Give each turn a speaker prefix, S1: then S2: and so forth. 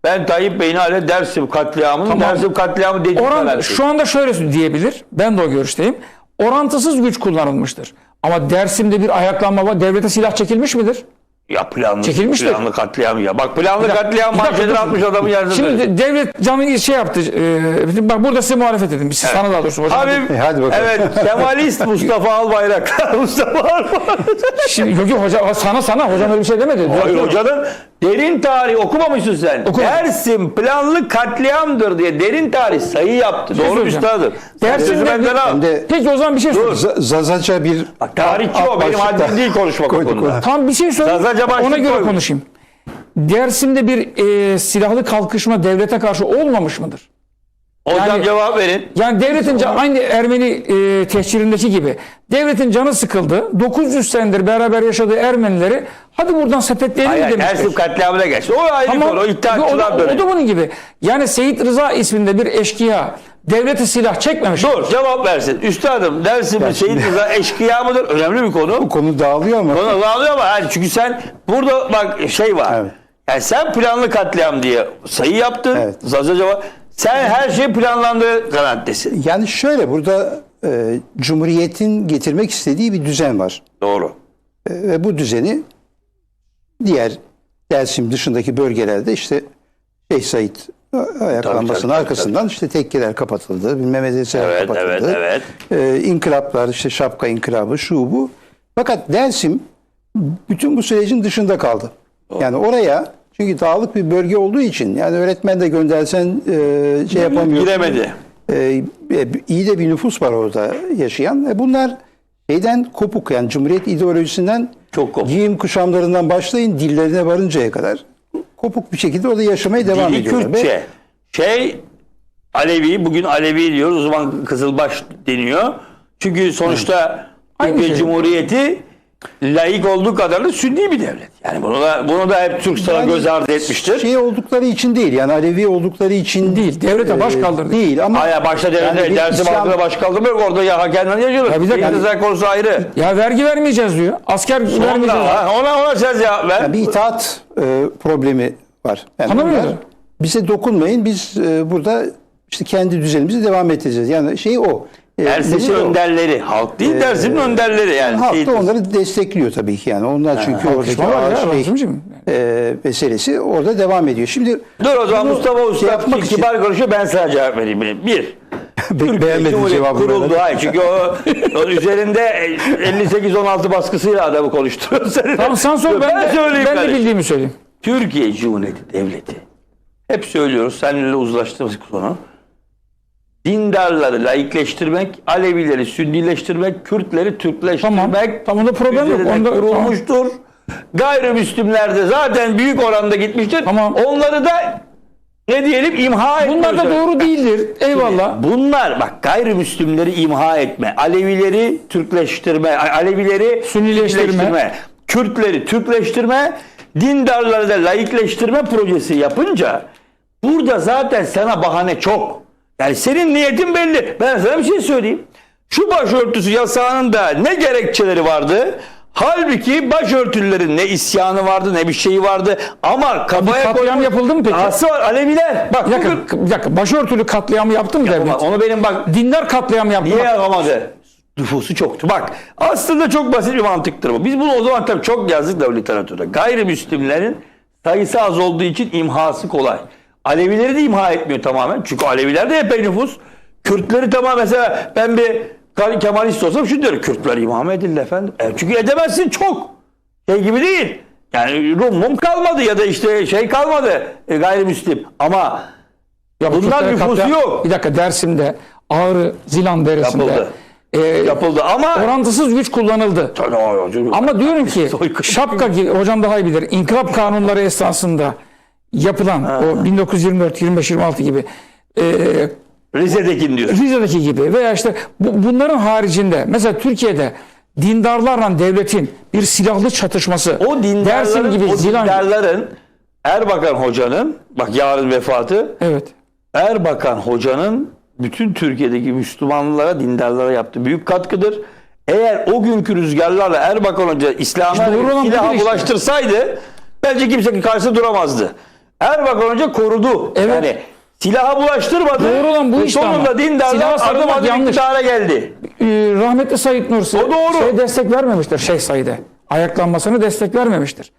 S1: Ben Tayyip Bey'in hala Dersim katliamının
S2: Tamam.
S1: Dersim katliamı dediği
S2: Şu anda şöyle diyebilir. Ben de o görüşteyim. Orantısız güç kullanılmıştır. Ama Dersim'de bir ayaklanma var. Devlete silah çekilmiş midir?
S1: Ya
S2: Çekilmiştir.
S1: planlı katliam ya. Bak planlı katliam
S2: Bir dakika,
S1: manşetini
S2: dur.
S1: atmış adamın yerine.
S2: Şimdi devlet canı şey yaptı. Bak burada size muhalefet edin. Siz sana daha doğrusu hocam.
S1: Abi
S3: hadi bakalım.
S1: evet Kemalist Mustafa Albayraktar. Mustafa Albayraktar.
S2: Şimdi yok hoca sana hocam öyle bir şey demedi.
S1: Hayır hocanın derin tarih okumamışsın sen.
S2: Okumadım.
S1: Dersim planlı katliamdır diye derin tarih sayı yaptı. Doğru
S2: söyleyeceğim.
S1: üstadım.
S2: Dersim'de
S1: Sözü benden al.
S3: Hem de
S2: Peki o zaman bir şey sorayım.
S3: Zazaca bir
S1: Bak tarihçi o. Benim
S3: başlıkta
S1: haddim değil konuşmak o
S3: koyduk
S1: konuda.
S3: onu.
S2: Tam bir şey söyleyeyim.
S1: Zazaca başlık
S2: Ona göre
S1: koymuş.
S2: konuşayım. Dersim'de bir silahlı kalkışma devlete karşı olmamış mıdır?
S1: Hocam
S2: Yani-
S1: cevap verin.
S2: Yani devletin aynı Ermeni tehcirindeki gibi devletin canı sıkıldı. 900 senedir beraber yaşadığı Ermenileri hadi buradan sepetleyelim
S1: Hayır,
S2: demiştir.
S1: Dersim katliamına geçti. O ayrı
S2: Tamam.
S1: konu. O
S2: o,
S1: iddiaçılar
S2: da,
S1: dönemi.
S2: o da bunun gibi. Yani Seyit Rıza isminde bir eşkıya devlete silah çekmemiş.
S1: Dur cevap versin. Üstadım Dersim'in Seyit Rıza eşkıya mıdır? Önemli bir konu.
S3: bu konu dağılıyor ama
S1: Konu dağılıyor ama yani çünkü sen burada bak şey var.
S3: Evet.
S1: Yani sen planlı katliam diye sayı yaptın.
S3: Evet.
S1: Zazaca var. Sen her şey planlandığı kanaattesin.
S3: yani şöyle burada Cumhuriyet'in getirmek istediği bir düzen var.
S1: Doğru.
S3: Ve bu düzeni diğer Dersim dışındaki bölgelerde işte Şeyh Said ayaklanmasının
S1: tabii,
S3: arkasından işte tekkeler kapatıldı, bilmem medreseler
S1: Evet,
S3: kapatıldı.
S1: evet.
S3: İnkılaplar, işte şapka inkılabı, şu bu. Fakat Dersim bütün bu sürecin dışında kaldı. Yani oraya çünkü dağlık bir bölge olduğu için yani öğretmen de göndersen şey yapamıyor.
S1: Giremedi.
S3: İyi de bir nüfus var orada yaşayan. Bunlar şeyden kopuk yani Cumhuriyet ideolojisinden
S1: Çok kopuk.
S3: giyim kuşamlarından başlayın dillerine varıncaya kadar kopuk bir şekilde orada yaşamaya devam
S1: Dili
S3: ediyorlar.
S1: Kürtçe. Alevi, bugün Alevi diyoruz. O zaman Kızılbaş deniyor. Çünkü sonuçta
S2: Aynı
S1: Türkiye
S2: şey.
S1: Cumhuriyeti laik olduğu kadar da Sünni bir devlet. Yani bunu da hep Türk sana göz ardı etmiştir.
S3: Şey oldukları için değil yani Alevi oldukları için
S2: Değil, devlete baş kaldırdı.
S3: Değil ama
S1: Aya başta devlet
S3: bir
S1: Dersim
S3: İslam-
S1: halkına baş kaldırmıyor. Orada ya hakemden yaşıyorlar.
S2: Ya bir dakika.
S1: Seyit konusu ayrı.
S2: Ya vergi vermeyeceğiz diyor. Asker vermeyeceğiz.
S1: Ona sen cevap ver.
S3: Yani bir itaat problemi var. Yani
S2: Anlamıyorum.
S3: bunlar, bize dokunmayın biz burada işte kendi düzenimizi devam edeceğiz. Yani şey o.
S1: Dersim'in
S3: mesele o.
S1: önderleri. Halk değil Dersim'in önderleri yani.
S3: Halk
S1: Seyit
S3: da onları destekliyor tabii ki yani. Onlar çünkü oradaki
S2: Var ya,
S3: ağır şey,
S2: Rasimciğim.
S3: meselesi orada devam ediyor. Şimdi
S1: Dur o zaman
S3: bunu
S1: Mustafa Usta
S3: yapmak için
S1: kibar konuşuyor, ben sana cevap vereyim. Bir,
S3: beğenmedim
S1: Cumhuriyet
S3: cevabını.
S1: kuruldu. Hayır, çünkü o üzerinde 58-16 baskısıyla adamı konuşturuyor.
S2: Tamam sen sor ben de
S1: kardeşim.
S2: bildiğimi söyleyeyim.
S1: Türkiye Cumhuriyeti Devleti. Hep söylüyoruz, seninle uzlaştığımız konu. Dindarları laikleştirmek, Alevileri Sünnileştirmek, Kürtleri Türkleştirmek
S2: Tamam, onda problem yok.
S1: üzerine
S2: Onda
S1: kurulmuştur. Gayrimüslimler de zaten büyük oranda gitmiştir.
S2: Tamam.
S1: Onları da ne diyelim imha etmek.
S2: Bunlar da doğru değildir. Eyvallah.
S1: Bunlar bak gayrimüslimleri imha etme, Alevileri Türkleştirme, Alevileri
S2: Sünnileştirme.
S1: Kürtleri Türkleştirme, dindarları da laikleştirme projesi yapınca burada zaten sana bahane çok. Yani senin niyetin belli. Ben sana bir şey söyleyeyim. Şu başörtüsü yasağının da ne gerekçeleri vardı? Halbuki başörtülerin ne isyanı vardı ne bir şeyi vardı. Ama kafaya
S2: katliam yapıldı mı peki?
S1: Dahası var Aleviler. Bak
S2: Bir dakika. Başörtülü katliamı yaptı mı devlet?
S1: onu benim bak
S2: Dindar katliamı yaptı.
S1: niye yapamadı? Nüfusu çoktu. Bak aslında çok basit bir mantıktır bu. Biz bunu o zaman tabii çok yazdık da literatürde. Gayrimüslimlerin sayısı az olduğu için imhası kolay. Alevileri de imha etmiyor tamamen. Çünkü Aleviler de epey nüfus. Kürtleri tamam mesela ben bir Kemalist olsam şunu diyorum. Kürtler imha mı edildi efendim? Çünkü edemezsin çok. Şey gibi değil. Yani Rum kalmadı ya da işte şey kalmadı gayrimüslim. Ama
S2: Ya
S1: bunlar
S2: Kürtler
S1: nüfusu
S2: katliam-
S1: yok.
S2: Bir dakika Dersim'de Ağrı Zilan Deresi'nde
S1: Yapıldı. Yapıldı ama
S2: orantısız güç kullanıldı. Ama diyorum ki
S1: Soykırım.
S2: şapka gibi hocam daha iyi bilir. İnkılap kanunları esasında yapılan o 1924, 25, 26 gibi
S1: Rize'dekini diyor.
S2: Rize'deki gibi veya işte bunların haricinde mesela Türkiye'de dindarlarla devletin bir silahlı çatışması
S1: O
S2: Dersim
S1: dindarların,
S2: gibi Zilan
S1: dindarların Erbakan Hoca'nın bak yarın vefatı
S2: evet.
S1: Erbakan Hoca'nın bütün Türkiye'deki Müslümanlara, dindarlara yaptığı büyük katkıdır. Eğer o günkü rüzgarlarla Erbakan Hoca İslam'a
S2: İşte doğru olan
S1: silaha
S2: budur işte.
S1: bulaştırsaydı bence kimse karşısında duramazdı. Erbakan Hoca korudu.
S2: Evet.
S1: Yani silaha bulaştırmadı.
S2: Doğru olan bu
S1: Ve
S2: işte
S1: sonunda
S2: ama.
S1: dindarlar
S2: Silaha
S1: adım
S2: sarılmak
S1: adım
S2: yanlış.
S1: iktidara geldi.
S2: Rahmetli Said Nursi
S1: O doğru.
S2: destek vermemiştir Şeyh Said'e. Ayaklanmasını destek vermemiştir.